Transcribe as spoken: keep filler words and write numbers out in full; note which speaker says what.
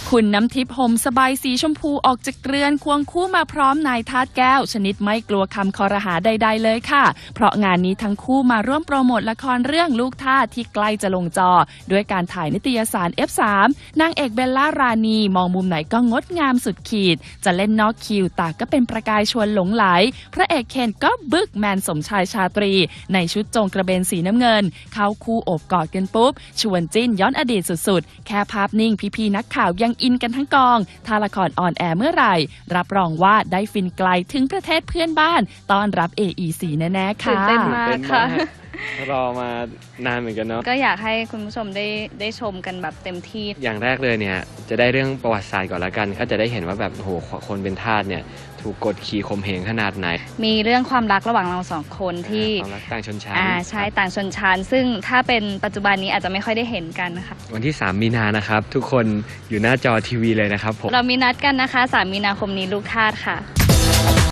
Speaker 1: คุณน้ำทิพย์ห่มสบายสีชมพูออกจากเรือนควงคู่มาพร้อมนายทาสแก้วชนิดไม่กลัวคำคอรหาใดๆเลยค่ะเพราะงานนี้ทั้งคู่มาร่วมโปรโมทละครเรื่องลูกทาสที่ใกล้จะลงจอด้วยการถ่ายนิตยสาร เอฟ สาม นางเอกเบลล่ารานีมองมุมไหนก็งดงามสุดขีดจะเล่นนอกคิวตาก็เป็นประกายชวนหลงไหลพระเอกเคนก็บึกแมนสมชายชาตรีในชุดจงกระเบนสีน้ำเงินเข้าคู่โอบกอดกันปุ๊บชวนจิ้นย้อนอดีตสุดๆแค่ภาพนิ่งพี่ๆนักข่าวยังอินกันทั้งกองถ้าละครออนแอร์เมื่อไหร่รับรองว่าได้ฟินไกลถึงประเทศเพื่อนบ้านต้อนรับ เอ อี ซี แน่ๆค่ะ
Speaker 2: ตื่นเต้นมากค่ะ
Speaker 3: รอมานานเหมือนกันเนาะ
Speaker 2: ก็อยากให้คุณผู้ชมได้ได้ชมกันแบบเต็มที่
Speaker 3: อย่างแรกเลยเนี่ยจะได้เรื่องประวัติศาสตร์ก่อนละกันก็จะได้เห็นว่าแบบโหคนเป็นทาสเนี่ยถูกกดขี่ข่มเหงขนาดไหน
Speaker 2: มีเรื่องความรักระหว่างเราสองคนที่
Speaker 3: ความรักต่างชนชั้น
Speaker 2: อ่าใช่ต่างชนชั้นซึ่งถ้าเป็นปัจจุบันนี้อาจจะไม่ค่อยได้เห็นกันนะคะ
Speaker 3: วันที่สามมีนานะครับทุกคนอยู่หน้าจอทีวีเลยนะครับผม
Speaker 2: เรามีนัดกันนะคะสามมีนาคมนี้ลูกทาสค่ะ